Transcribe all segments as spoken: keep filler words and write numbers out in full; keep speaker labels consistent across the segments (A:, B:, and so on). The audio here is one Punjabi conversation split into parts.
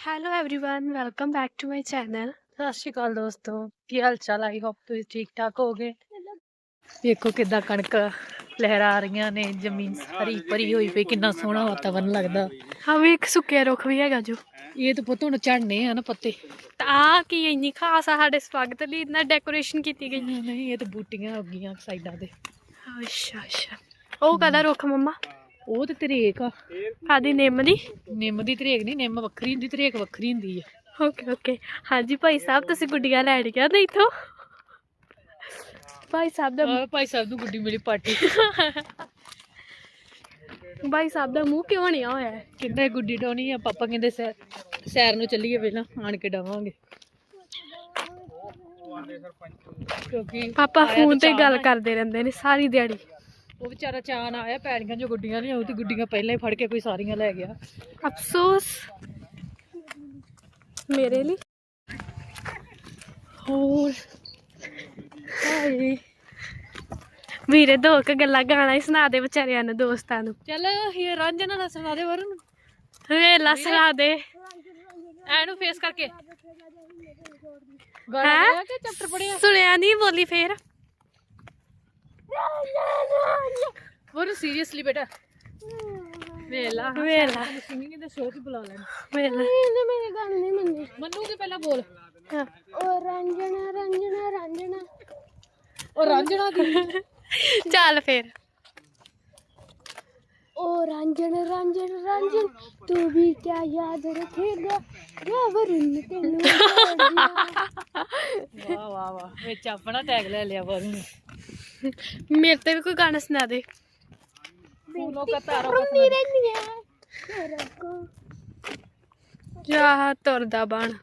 A: Hello everyone welcome back to my channel.
B: Sat Sri ਅਕਾਲ ਦੋਸਤੋ, ਕੀ ਹਾਲ ਚਾਲ? ਆਈ ਹੋਪ ਤੁਸੀਂ ਠੀਕ ਠਾਕ ਹੋਗੇ। ਵੇਖੋ ਕਿੱਦਾਂ ਕਣਕ ਲਹਿਰਾ ਰਹੀਆਂ ਨੇ, ਜ਼ਮੀਨ ਹਰੀ ਭਰੀ ਹੋਈ ਪਈ, ਕਿੰਨਾ ਸੋਹਣਾ ਵਾਤਾਵਰਨ ਲੱਗਦਾ।
A: हम एक सुक्किया रुख भी हैगा जो
B: ਇਹ ਤਾਂ ਪੁੱਤ ਹੁਣ ਝੜਨੇ ਆ ਨਾ ਪੱਤੇ।
A: आ की इन्नी खास आ साडे स्वागत दी इतना डेकोरेशन की गई।
B: ਨਹੀਂ ਇਹ ਤਾਂ ਬੂਟੀਆਂ ਹੋ ਗਈਆਂ ਸਾਈਡਾਂ ਤੇ।
A: अच्छा अच्छा ओ कदा रुख मम्मा
B: ਉਹ ਤੇ ਤਰੇਕ ਆ,
A: कादी निम दी।
B: ਨਿੰਮ ਦੀ ਤਰੇਕ ਨਹੀਂ, ਨਿੰਮ ਵੱਖਰੀ ਹੁੰਦੀ, ਤਰੇਕ ਵੱਖਰੀ ਹੁੰਦੀ ਆ।
A: ओके ओके हाँ जी भाई साहब तुसी गुड्डियां लैणियां नहीं तो भाई साहब दा
B: ਆਹ ਭਾਈ ਸਾਹਿਬ ਨੂੰ ਗੁੱਡੀ ਮਿਲੀ ਪਾਰਟੀ।
A: भाई साहब दा मुंह क्यों नहीं होया है?
B: ਕਹਿੰਦਾ ਗੁੱਡੀ ਡਾਉਣੀ ਆ, ਪਾਪਾ ਕਹਿੰਦੇ ਸੈਰ ਸੈਰ ਨੂੰ ਚੱਲੀਏ, ਪਹਿਲਾਂ ਆਣ ਕੇ ਡਾਵਾਂਗੇ ਕਿਉਂਕਿ
A: पापा
B: ਆਇਆ
A: फोन
B: ਤਾਂ
A: ते
B: ਚਾਅ
A: गल
B: ਨਾਲ।
A: करदे रहिंदे ने सारी दिहाड़ी।
B: ਉਹ ਵਿਚਾਰਾ ਚਾਨ ਆਇਆ ਪੈੜੀਆਂ ਜੋ ਗੁੱਡੀਆਂ ਨਹੀਂ ਆਉ ਤੇ ਗੁੱਡੀਆਂ ਪਹਿਲਾਂ ਹੀ ਫੜ ਕੇ ਕੋਈ ਸਾਰੀਆਂ ਲੈ ਗਿਆ।
A: अफसोस मेरे लिए और हाय ਵੀਰੇ ਦੋ ਕ ਗੱਲਾਂ ਗਾਣਾ ਹੀ ਸੁਣਾ ਦੇ ਵਿਚਾਰਿਆਂ ਨੂੰ, ਦੋਸਤਾਂ ਨੂੰ।
B: ਚੱਲ ਇਹ ਰਾਂਝਣਾ ਦਾ ਸੁਣਾ ਦੇ ਵਰਨ
A: ਵੇਲਾ ਸੁਣਾ ਦੇ।
B: ਐਨੂੰ ਫੇਸ ਕਰਕੇ ਗਾਣਾ
A: ਹੈਂ?
B: ਗਾਇਆ ਕਿ ਚੈਪਟਰ ਪੜਿਆ?
A: ਸੁਣਿਆ ਨਹੀਂ, ਬੋਲੀ ਫੇਰ।
B: ਵਰਨ ਸੀਰੀਅਸਲੀ ਬੇਟਾ ਵੇਲਾ
A: ਵੇਲਾ
B: ਸਿੰਗਿੰਗ ਦੇ ਸ਼ੋਅ ਤੇ ਬੁਲਾ ਲੈਣ।
A: ਵੇਲਾ
C: ਇਹਨੇ ਮੇਰੀ ਗੱਲ ਨਹੀਂ ਮੰਨੀ।
B: ਮੰਨੂ ਕੇ ਪਹਿਲਾਂ ਬੋਲ।
C: ਉਹ ਰੰਜਣਾ ਰੰਜਣਾ ਰੰਜਣਾ
B: ਉਹ ਰਾਂਝਣਾ ਦੀ
A: ਚੱਲ ਫੇਰ।
C: ਉਹ ਰੰਜਣ ਰੰਜਣ ਰੰਜਣ ਤੂੰ ਵੀ ਕਿਆ ਯਾਦ ਰੱਖੇਗਾ ਜਾਂ ਵਰਨ ਤੈਨੂੰ
B: ਵਾਹ ਵਾਹ ਵਾਹ, ਵਿੱਚ ਆਪਣਾ ਟੈਗ ਲੈ ਲਿਆ ਵਰਨ ਨੇ।
A: ਮੇਰੇ ਤੇ ਵੀ ਕੋਈ ਗਾਣਾ ਸੁਣਾ ਦੇ।
B: ਫੂਲੋਂ ਕਾ ਤਾਰਾ
C: ਰੁੰਦੀ ਰਹਿੰਦੀ ਹੈ ਤੇਰੇ ਕੋ।
A: ਜਾ ਤੁਰਦਾ ਬਣ।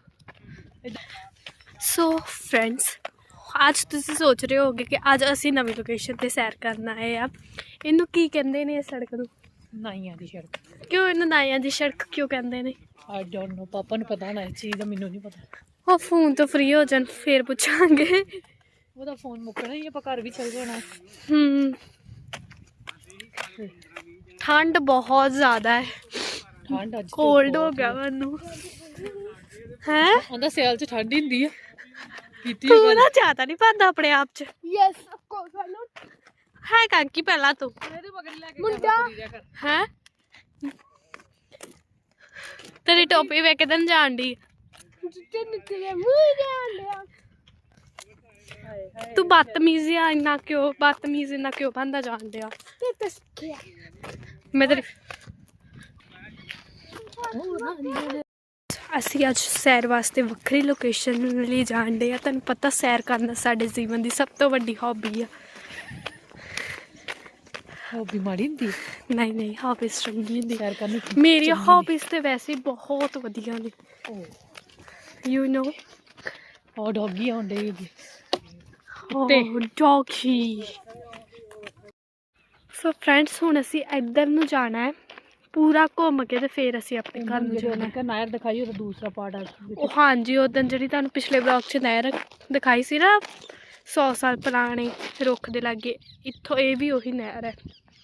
A: ਸੋ ਫਰੈਂਡਸ, ਅੱਜ ਤੁਸੀਂ ਸੋਚ ਰਹੇ ਹੋਗੇ ਕਿ ਅੱਜ ਅਸੀਂ ਨਵੀਂ ਲੋਕੇਸ਼ਨ ਤੇ ਸੈਰ ਕਰਨ ਆਏ ਆ। ਇਹਨੂੰ ਕੀ ਕਹਿੰਦੇ ਨੇ, ਇਸ ਸੜਕ ਨੂੰ?
B: ਨਾਈਆਂ ਦੀ ਸੜਕ।
A: ਕਿਉਂ ਇਹਨੂੰ ਨਾਇਆਂ ਦੀ ਸੜਕ ਕਿਉਂ ਕਹਿੰਦੇ ਨੇ?
B: ਆਈ ਡੋਨਟ ਨੋ, ਪਾਪਾ ਨੂੰ ਪਤਾ ਹੋਣਾ ਇਸ ਚੀਜ਼ ਦਾ, ਮੈਨੂੰ ਨਹੀਂ ਪਤਾ।
A: ਉਹ ਫੋਨ ਤੋਂ ਫ੍ਰੀ ਹੋ ਜਾਣ ਫੇਰ ਪੁੱਛਾਂਗੇ।
B: ਉਹਦਾ ਫੋਨ ਮੁੱਕਣਾ ਹੀ, ਆਪਾਂ ਘਰ ਵੀ ਚੱਲ ਜਾਣਾ।
A: ਹੂੰ ਠੰਡ ਬਹੁਤ ਜ਼ਿਆਦਾ ਹੈ,
B: ਠੰਡ ਅੱਜ
A: ਕੋਲਡ ਹੋ ਗਿਆ ਮੈਨੂੰ। ਹੈ
B: ਉਹਦਾ ਸਿਆਲ ਚ ਠੰਡ ਹੀ ਹੁੰਦੀ ਆ। ਕੀਤੀ
A: ਤੂੰ ਨਾ ਜ਼ਿਆਦਾ ਨਹੀਂ ਪਾਉਂਦਾ ਆਪਣੇ ਆਪ ਚ।
C: Yes of course I know.
A: ਹੈ ਕਾਕੀ ਪਹਿਲਾਂ ਤੂੰ
B: ਇਹਦੇ ਮਗਰ ਲੈ ਕੇ
C: ਮੁੰਡਾ
A: ਹੈ ਤੇਰੀ ਟੋਪੀ ਵੇਖ ਕੇ ਤਾਂ ਜਾਣ ਦੀ।
C: ਜਿੱਤੇ ਨਿਕਲੇ ਮੂੰਹ ਜਾਣ ਲਿਆ।
A: ਤੂੰ ਬਦਤਮੀਜ਼ੀ ਆ ਇੰਨਾ ਕਿਉਂ, ਬਦਤਮੀਜ਼ ਇੰਨਾ ਕਿਉਂ ਬੰਦਾ ਜਾਣ ਡਿਆ?
C: ਤੇ ਤਸਕਿਆ
A: ਮੈਂ ਤੇਰੀ ਅਸੀਂ ਅੱਜ ਸੈਰ ਵਾਸਤੇ ਵੱਖਰੀ ਲੋਕੇਸ਼ਨ ਲਈ ਜਾਣ ਡੇ ਆ। ਤੁਹਾਨੂੰ ਪਤਾ ਸੈਰ ਕਰਨਾ ਸਾਡੇ ਜੀਵਨ ਦੀ ਸਭ ਤੋਂ ਵੱਡੀ ਹੌਬੀ ਆ।
B: ਹੌਬੀ ਮਾੜੀ ਹੁੰਦੀ ਆ?
A: ਨਹੀਂ ਨਹੀਂ, ਹੌਬੀਜ਼ ਚੰਗੀ ਹੁੰਦੀ।
B: ਸੈਰ ਕਰਨੀ
A: ਮੇਰੀਆਂ ਹੌਬੀਜ਼ ਤੇ ਵੈਸੇ ਹੀ ਬਹੁਤ ਵਧੀਆ ਨੇ, ਯੂ ਨੋ।
B: ਉਹ ਡੌਗੀ ਆਉਂਦੇ ਹੀ
A: ਓ ਡੌਗੀ। ਸੋ ਫਰੈਂਡਸ, ਹੁਣ ਅਸੀਂ ਇੱਧਰ ਨੂੰ ਜਾਣਾ ਹੈ, ਪੂਰਾ ਘੁੰਮ ਕੇ ਤੇ ਫਿਰ ਅਸੀਂ ਆਪਣੇ ਘਰ ਨੂੰ ਜਾਣਾ ਹੈ।
B: ਕਿ ਨਾਇਰ ਦਿਖਾਈ, ਉਹਦਾ ਦੂਸਰਾ ਪਾਰਟ ਆ।
A: ਉਹ ਹਾਂਜੀ, ਉਦੋਂ ਜਿਹੜੀ ਤੁਹਾਨੂੰ ਪਿਛਲੇ ਬਲੌਗ 'ਚ ਨਹਿਰ ਦਿਖਾਈ ਸੀ ਨਾ, ਸੌ ਸਾਲ ਪੁਰਾਣੇ ਰੁੱਖ ਦੇ ਲਾਗੇ, ਇੱਥੋਂ ਇਹ ਵੀ ਉਹੀ ਨਹਿਰ ਹੈ।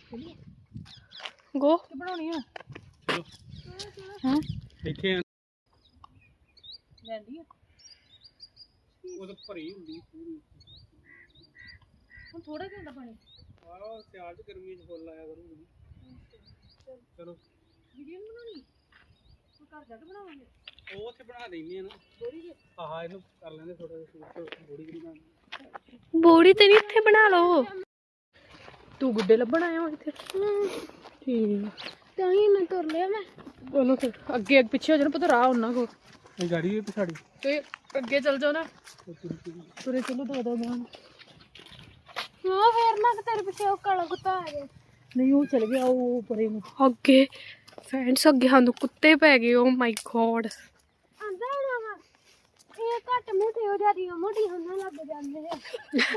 A: ਗੋ
B: ਬਣਾਉਣੀ ਆ ਹਾਂ ਇੱਥੇ ਲੈਂਦੀ ਆ ਉਹ ਤਾਂ ਭਰੀ ਹੁੰਦੀ ਪੂਰੀ। ਹੁਣ ਥੋੜਾ ਜਿਹਾ ਹੁੰਦਾ ਪਾਣੀ। ਆਹ ਸਿਆਲ ਚ ਗਰਮੀ ਚ ਫੁੱਲ ਆਇਆ ਕਰੂਗੀ। ਚਲੋ ਵੀਡੀਓ ਬਣਾਉਣੀ, ਘਰ ਜਾ ਕੇ ਬਣਾਵਾਂਗੇ। ਉਹ ਉੱਥੇ ਬਣਾ ਦੇਣੀ ਆ ਨਾ ਬੋੜੀ ਦੇ। ਆਹ ਇਹਨੂੰ ਕਰ ਲੈਂਦੇ ਥੋੜਾ ਜਿਹਾ ਬੋੜੀ ਬਣਾ।
A: ਬੋੜੀ ਤੇ ਨਹੀਂ, ਇੱਥੇ ਬਣਾ ਲਓ।
B: ਤੂੰ ਗੁੱਡੇ ਲੱਭਣ ਆਇਆ ਹੋ ਇੱਥੇ? ਠੀਕ
C: ਤਾਂ ਹੀ ਮੈਂ ਤੁਰ ਲਿਆ। ਮੈਂ
B: ਉਹਨੂੰ ਫਿਰ ਅੱਗੇ ਪਿੱਛੇ ਹੋ ਜਾਣਾ, ਪਤਾ ਰਾਹ ਉਹਨਾਂ ਕੋ। ਇਹ ਗਾੜੀ ਵੀ ਪਛਾੜੀ ਤੇ ਅੱਗੇ ਚੱਲ ਜਾਓ ਨਾ, ਤੁਰੇ ਚਲੋ ਦੋ ਦੋ ਗਾਂ।
C: ਉਹ ਫੇਰ ਨਾ ਤੇਰੇ ਪਿੱਛੇ ਉਹ ਕਾਲਾ ਕੁੱਤਾ ਆ ਗਿਆ।
B: ਨਹੀਂ ਉਹ ਚਲ ਗਿਆ ਉਹ ਪਰੇ ਨੂੰ।
A: ਅੱਗੇ ਫਰੈਂਡਸ, ਅੱਗੇ ਸਾਨੂੰ ਕੁੱਤੇ ਪੈ ਗਏ। Oh my god.
C: ਆਂਦਾ ਨਾ ਵਾ ਇਹ ਘੱਟ ਮੋਟੇ ਹੋ ਜਾਂਦੀਆਂ, ਮੋਟੀਆਂ ਹੋਣ ਲੱਗ ਜਾਂਦੇ ਆ।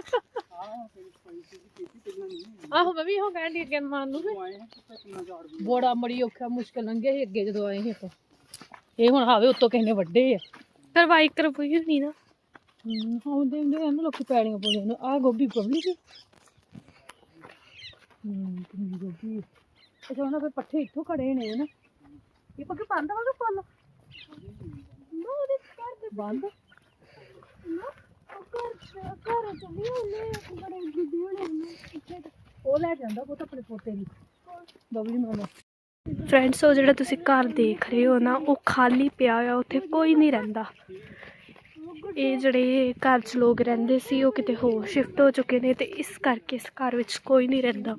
B: ਆਹੋ ਮੈਂ ਵੀ ਉਹ ਕਹਿਣ ਦੀ ਅੱਗੇ ਮਾਨ ਨੂੰ ਬੜਾ ਮੜੀ ਔਖਾ ਮੁਸ਼ਕਲ ਲੰਘਿਆ ਸੀ ਅੱਗੇ ਜਦੋਂ ਆਏ ਸੀ ਆਪਾਂ। ਇਹ ਹੁਣ ਹਾਵੇ ਉੱਤੋਂ ਕਿਸੇ ਨੇ ਵੱਡੇ ਆ।
A: ਕਰਵਾਈ ਕਰਵਾਈ ਹੋਣੀ ਨਾ।
B: ਹੂੰ ਆਉਂਦੇ ਹੁੰਦੇ ਇਹਨੂੰ ਲੋਕੀ ਪੈੜੀਆਂ ਪਾਉਂਦੇ ਨੇ। ਆਹ ਗੋਭੀ ਪਬਲੀ ਸੀ। ਹੂੰ ਕਿੰਨੀ ਗੋਭੀ। ਅੱਛਾ ਉਹਨਾਂ ਦੇ ਪੱਠੇ ਇੱਥੋਂ ਖੜੇ ਨੇ ਨਾ। ਇਹ ਪੱਕੇ ਪੰਦ ਵਾਂਗ ਫੁੱਲ
C: ਨਾ ਉਹਦੇ ਘਰ ਦੇ
B: ਬੰਦ
C: ਨਾ ਉਹ ਘਰ ਘਰ ਚ ਵੀ ਉਹਨੇ ਬੜੇ ਗੁੱਡੇ ਹੋਣੇ ਨੇ
B: ਉਹ ਲੈ ਜਾਂਦਾ ਉਹ ਤਾਂ ਆਪਣੇ ਪੋਤੇ ਦੀ ਬਬਲੀ ਮਾਮਾ।
A: ਫਰੈਂਡਸ ਉਹ ਜਿਹੜਾ ਤੁਸੀਂ ਘਰ ਦੇਖ ਰਹੇ ਹੋ ਨਾ ਉਹ ਖਾਲੀ ਪਿਆ ਹੋਇਆ, ਉੱਥੇ ਕੋਈ ਨਹੀਂ ਰਹਿੰਦਾ। ਇਹ ਜਿਹੜੇ ਘਰ 'ਚ ਲੋਕ ਰਹਿੰਦੇ ਸੀ ਉਹ ਕਿਤੇ ਹੋਰ ਸ਼ਿਫਟ ਹੋ ਚੁੱਕੇ ਨੇ ਤੇ ਇਸ ਕਰਕੇ ਇਸ ਘਰ ਵਿੱਚ ਕੋਈ ਨਹੀਂ ਰਹਿੰਦਾ।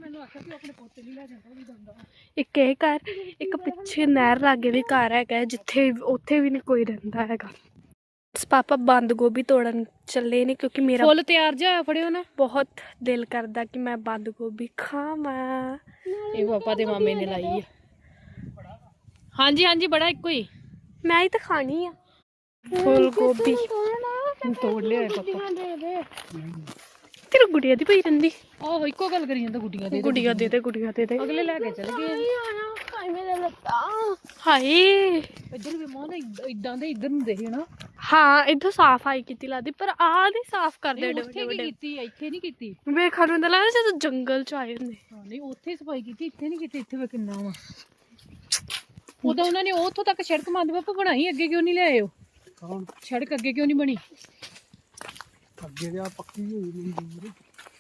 A: ਇੱਕ ਇਹ ਘਰ, ਇੱਕ ਪਿੱਛੇ ਨਹਿਰ ਲਾਗੇ ਵੀ ਘਰ ਹੈਗਾ ਜਿੱਥੇ ਉੱਥੇ ਵੀ ਨਹੀਂ ਕੋਈ ਰਹਿੰਦਾ ਹੈਗਾ। ਪਾਪਾ ਬੰਦ ਗੋਭੀ ਤੋੜਨ ਚੱਲੇ ਨੇ ਕਿਉਂਕਿ ਮੇਰਾ
B: ਫੁੱਲ ਤਿਆਰ ਜਿਹਾ ਫੜਿਓ ਨਾ।
A: ਬਹੁਤ ਦਿਲ ਕਰਦਾ ਕਿ ਮੈਂ ਬੰਦ ਗੋਭੀ ਖਾਵਾਂ।
B: ਇਹ ਪਾਪਾ ਦੇ ਮਾਮੇ ਨੇ ਲਾਈ ਆ। ਹਾਂਜੀ ਹਾਂਜੀ ਬੜਾ ਇੱਕੋ ਹੀ।
A: ਮੈਂ ਹੀ ਤਾਂ ਖਾਣੀ ਆ ਫੁੱਲ ਗੋਭੀ।
B: ਤੋੜ ਲਿਆ ਪਾਪਾ।
C: ਦੇ ਦੇ
A: ਤੇਰੀ ਗੁੜੀਆ ਦੀ ਪਈ ਰਹਿੰਦੀ।
B: ਆਹੋ ਇੱਕੋ ਗੱਲ ਕਰੀ ਜਾਂਦਾ ਗੁੱਡੀਆਂ ਦੇ।
A: ਗੁੜੀਆ ਦੇ ਦੇ ਗੁੜੀਆ ਦੇ ਦੇ।
B: ਅਗਲੇ ਲੈ ਕੇ ਚਲੇ ਗਏ।
C: ਹਾਏ ਮੇਰੇ ਲੱਤਾਂ।
A: ਹਾਏ
B: ਇੱਧਰ ਵੀ ਮਾਂ ਇਦਾਂ ਦੇ ਇੱਧਰ ਨੂੰ ਦੇਖ ਨਾ।
A: ਹਾਂ ਇੱਥੋਂ ਸਾਫ ਆਈ ਕੀਤੀ ਲੱਗਦੀ ਪਰ ਆਹ ਨਹੀਂ ਸਾਫ ਕਰਦੇ ਏਡੇ
B: ਉੱਥੇ
A: ਵੱਡੇ
B: ਕੀ
A: ਵੱਡੇ।
B: ਕੀਤੀ ਇੱਥੇ ਨਹੀਂ ਕੀਤੀ।
A: ਵੇਖਣ ਨੂੰ ਤਾਂ ਲੱਗਦਾ ਜਦੋਂ ਜੰਗਲ ਚ ਆਏ ਹੁੰਦੇ।
B: ਹਾਂ ਨਹੀਂ ਉੱਥੇ ਸਫਾਈ ਕੀਤੀ ਇੱਥੇ ਨਹੀਂ ਕੀਤੀ। ਇੱਥੇ ਵੇ ਕਿੰਨਾ ਵਾ। ਉਦੋਂ ਉਹਨਾਂ ਨੇ ਉੱਥੋਂ ਤੱਕ ਸੜਕ ਮੰਦ ਬਾਪੂ ਬਣਾਈ, ਅੱਗੇ ਕਿਉਂ ਨਹੀਂ ਲਿਆਏ ਉਹ?
D: ਕੌਣ
B: ਸੜਕ ਅੱਗੇ ਕਿਉਂ ਨਹੀਂ ਬਣੀ?
D: ਅੱਗੇ ਤੇ ਆ ਪੱਕੀ ਹੋਈ ਮਨਜ਼ੂਰ।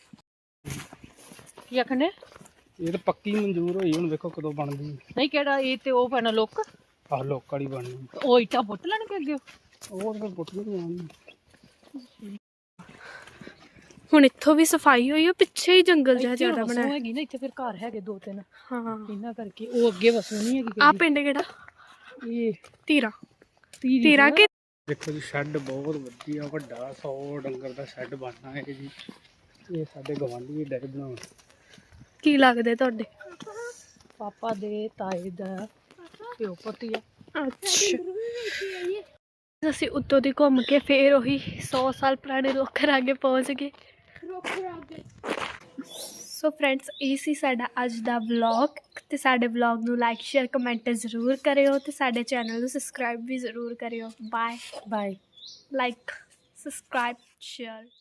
B: ਕੀ ਆਖਣੇ?
D: ਇਹ ਤਾਂ ਪੱਕੀ ਮਨਜ਼ੂਰ ਹੋਈ, ਹੁਣ ਵੇਖੋ ਕਦੋਂ ਬਣਦੀ।
B: ਨਹੀਂ ਕਿਹੜਾ ਇਹ ਤੇ ਉਹ ਪੈਣਾ ਲੋਕ
D: ਆਹ ਲੋਕ ਵਾਲੀ ਬਣਨੀ।
B: ਉਹ ਇੱਟਾਂ ਪੁੱਟ ਲੈਣਗੇ ਅੱਗੇ।
D: ਉਹ ਤਾਂ ਪੁੱਟ ਨਹੀਂ ਆਉਣੀ।
A: ਹੁਣ ਇੱਥੋਂ ਵੀ ਸਫਾਈ ਹੋਈ, ਉਹ ਪਿੱਛੇ ਹੀ ਜੰਗਲ ਜਿਹਾ ਜ਼ਿਆਦਾ
B: ਵਸੋਂ
A: ਬਣਾਇਆ।
B: ਹੈਗੀ ਨਾ ਇੱਥੇ, ਫਿਰ ਘਰ ਹੈਗੇ ਦੋ ਤਿੰਨ,
A: ਹਾਂ
B: ਇਹਨਾਂ ਕਰਕੇ ਉਹ ਅੱਗੇ ਵਸੋਂ ਨਹੀਂ ਹੈਗੀ।
A: ਆ ਪਿੰਡ ਕਿਹੜਾ?
B: ਇਹ
A: ਧੀਰਾ।
B: ਤੀਰੀ
A: ਧੀਰਾ ਕਿ
D: ਦੇਖੋ ਜੀ ਸ਼ੈੱਡ ਬਹੁਤ ਵਧੀਆ ਵੱਡਾ, ਸੌ ਡੰਗਰ ਦਾ ਸ਼ੈੱਡ ਬਣਨਾ ਹੈ ਜੀ। ਇਹ ਸਾਡੇ ਗਵਾਂਢੀ ਡੈਕ ਬਣਾਉਣ।
A: ਕੀ ਲੱਗਦੇ ਤੁਹਾਡੇ?
B: ਪਾਪਾ ਦੇ ਤਾਏ ਦਾ ਪਿਓ ਪੁੱਤੀ ਆ।
A: ਅੱਛਾ ਅਸੀਂ ਉੱਤੋਂ ਦੀ ਘੁੰਮ ਕੇ ਫੇਰ ਉਹੀ ਸੌ ਸਾਲ ਪੁਰਾਣੇ ਰੁੱਖ ਅੱਗੇ ਪਹੁੰਚ ਗਏ। ਸੋ ਫਰੈਂਡਸ ਇਹ ਸੀ ਸਾਡਾ ਅੱਜ ਦਾ ਵਲੌਗ, ਤੇ ਸਾਡੇ ਵਲੌਗ ਨੂੰ ਲਾਈਕ ਸ਼ੇਅਰ ਕਮੈਂਟ ਜ਼ਰੂਰ ਕਰਿਓ ਤੇ ਸਾਡੇ ਚੈਨਲ ਨੂੰ ਸਬਸਕ੍ਰਾਈਬ ਵੀ ਜ਼ਰੂਰ ਕਰਿਓ। Bye
B: bye.
A: Like subscribe share.